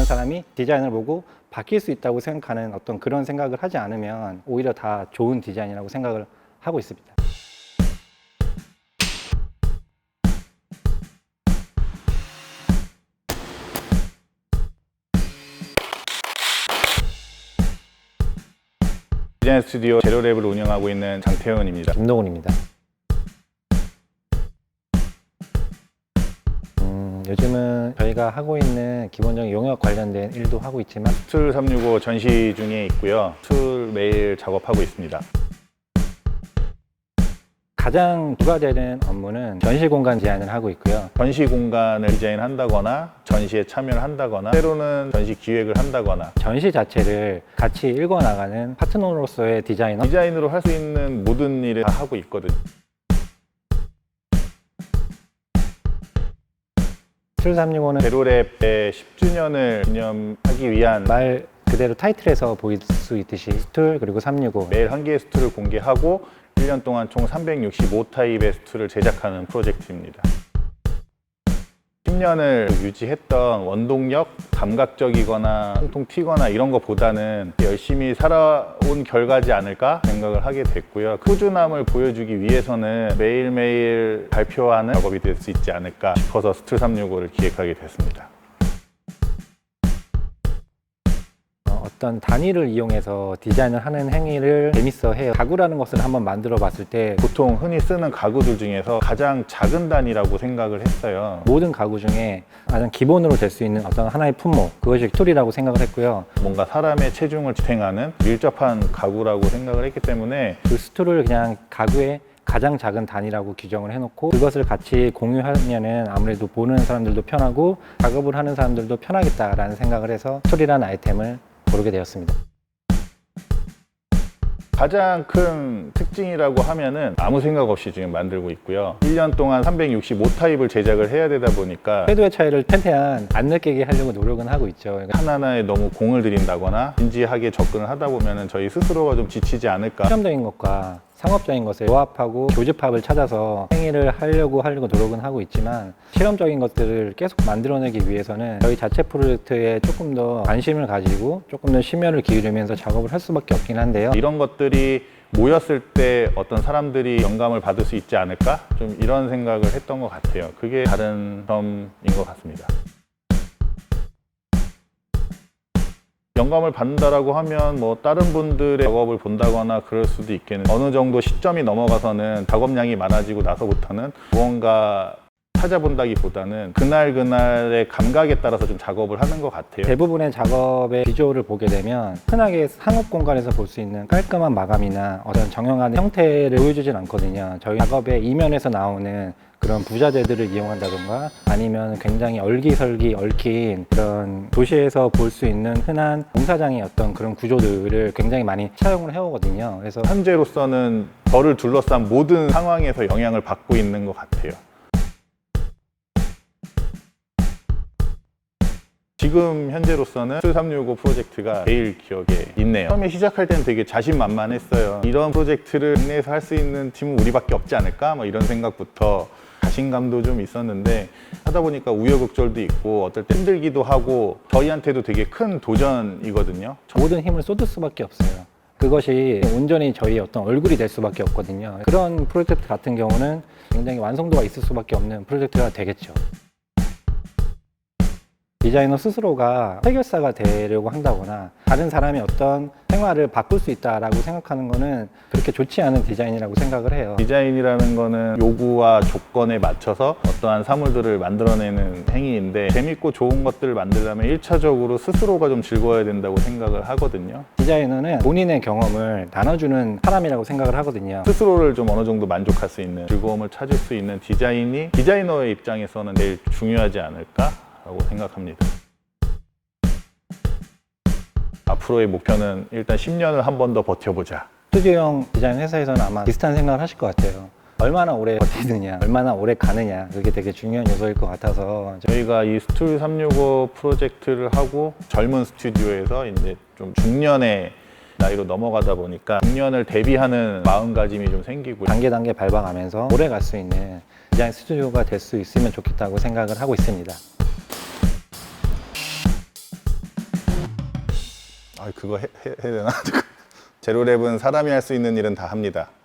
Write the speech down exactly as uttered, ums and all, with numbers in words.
사람이 디자인을 보고 바뀔 수 있다고 생각하는 어떤 그런 생각을 하지 않으면 오히려 다 좋은 디자인이라고 생각을 하고 있습니다. 디자인 스튜디오 제로랩을 운영하고 있는 장태현입니다. 김동훈입니다. 음, 요즘은 저희가 하고 있는 기본적인 용역 관련된 일도 하고 있지만 스툴 삼육오 전시 중에 있고요. 스툴 매일 작업하고 있습니다. 가장 부가되는 업무는 전시 공간 디자인을 하고 있고요. 전시 공간을 디자인한다거나 전시에 참여를 한다거나 때로는 전시 기획을 한다거나 전시 자체를 같이 읽어나가는 파트너로서의 디자이너. 디자인으로 할 수 있는 모든 일을 다 하고 있거든요. 스툴 삼육오는 제로랩의 십 주년을 기념하기 위한 말 그대로 타이틀에서 보일 수 있듯이 스툴 그리고 삼육오 매일 한 개의 스툴을 공개하고 일 년 동안 총 삼백육십오 타입의 스툴을 제작하는 프로젝트입니다. 십 년을 유지했던 원동력, 감각적이거나 통통 튀거나 이런 것보다는 열심히 살아온 결과지 않을까 생각을 하게 됐고요. 꾸준함을 보여주기 위해서는 매일매일 발표하는 작업이 될 수 있지 않을까 싶어서 스툴 삼육오를 기획하게 됐습니다. 어떤 단위를 이용해서 디자인을 하는 행위를 재밌어 해요. 가구라는 것을 한번 만들어 봤을 때 보통 흔히 쓰는 가구들 중에서 가장 작은 단위라고 생각을 했어요. 모든 가구 중에 가장 기본으로 될 수 있는 어떤 하나의 품목, 그것이 스툴이라고 생각을 했고요. 뭔가 사람의 체중을 지탱하는 밀접한 가구라고 생각을 했기 때문에 그 스툴을 그냥 가구의 가장 작은 단위라고 규정을 해놓고 그것을 같이 공유하면은 아무래도 보는 사람들도 편하고 작업을 하는 사람들도 편하겠다라는 생각을 해서 스툴이라는 아이템을 고르게 되었습니다. 가장 큰 특징이라고 하면은 아무 생각 없이 지금 만들고 있고요. 일 년 동안 삼백육십오 타입을 제작을 해야 되다 보니까 궤도의 차이를 최대한 안 느끼게 하려고 노력은 하고 있죠. 그러니까 하나하나에 너무 공을 들인다거나 진지하게 접근을 하다 보면은 저희 스스로가 좀 지치지 않을까. 실험적인 것과 상업적인 것을 조합하고 교집합을 찾아서 행위를 하려고 하려고 노력은 하고 있지만 실험적인 것들을 계속 만들어내기 위해서는 저희 자체 프로젝트에 조금 더 관심을 가지고 조금 더 심혈을 기울이면서 작업을 할 수밖에 없긴 한데요. 이런 것들이 모였을 때 어떤 사람들이 영감을 받을 수 있지 않을까? 좀 이런 생각을 했던 것 같아요. 그게 다른 점인 것 같습니다. 영감을 받는다라고 하면 뭐 다른 분들의 작업을 본다거나 그럴 수도 있겠는데 어느 정도 시점이 넘어가서는 작업량이 많아지고 나서부터는 무언가 찾아본다기보다는 그날 그날의 감각에 따라서 좀 작업을 하는 것 같아요. 대부분의 작업의 비주얼을 보게 되면 흔하게 상업 공간에서 볼 수 있는 깔끔한 마감이나 어떤 정형화된 형태를 보여주진 않거든요. 저희 작업의 이면에서 나오는 그런 부자재들을 이용한다던가 아니면 굉장히 얼기설기 얽힌 그런 도시에서 볼 수 있는 흔한 공사장의 어떤 그런 구조들을 굉장히 많이 차용을 해오거든요. 그래서 현재로서는 저를 둘러싼 모든 상황에서 영향을 받고 있는 것 같아요. 지금 현재로서는 스툴 삼육오 프로젝트가 제일 기억에 있네요. 처음에 시작할 때는 되게 자신만만했어요. 이런 프로젝트를 국내에서 할 수 있는 팀은 우리밖에 없지 않을까? 뭐 이런 생각부터 자신감도 좀 있었는데 하다 보니까 우여곡절도 있고 어떨 때 힘들기도 하고 저희한테도 되게 큰 도전이거든요. 모든 힘을 쏟을 수밖에 없어요. 그것이 온전히 저희 어떤 얼굴이 될 수밖에 없거든요. 그런 프로젝트 같은 경우는 굉장히 완성도가 있을 수밖에 없는 프로젝트가 되겠죠. 디자이너 스스로가 해결사가 되려고 한다거나 다른 사람의 어떤 생활을 바꿀 수 있다라고 생각하는 거는 그렇게 좋지 않은 디자인이라고 생각을 해요. 디자인이라는 거는 요구와 조건에 맞춰서 어떠한 사물들을 만들어내는 행위인데 재밌고 좋은 것들을 만들려면 일 차적으로 스스로가 좀 즐거워야 된다고 생각을 하거든요. 디자이너는 본인의 경험을 나눠주는 사람이라고 생각을 하거든요. 스스로를 좀 어느 정도 만족할 수 있는 즐거움을 찾을 수 있는 디자인이 디자이너의 입장에서는 제일 중요하지 않을까? 라고 생각합니다. 앞으로의 목표는 일단 십 년을 한 번 더 버텨보자. 스튜디오형 디자인 회사에서는 아마 비슷한 생각을 하실 것 같아요. 얼마나 오래 버티느냐, 얼마나 오래 가느냐, 그게 되게 중요한 요소일 것 같아서 저희가 이 스툴 삼육오 프로젝트를 하고 젊은 스튜디오에서 이제 좀 중년의 나이로 넘어가다 보니까 중년을 대비하는 마음가짐이 좀 생기고 단계 단계 밟아가면서 오래 갈 수 있는 디자인 스튜디오가 될 수 있으면 좋겠다고 생각을 하고 있습니다. 아, 그거 해, 해, 해야 되나? 제로랩은 사람이 할 수 있는 일은 다 합니다.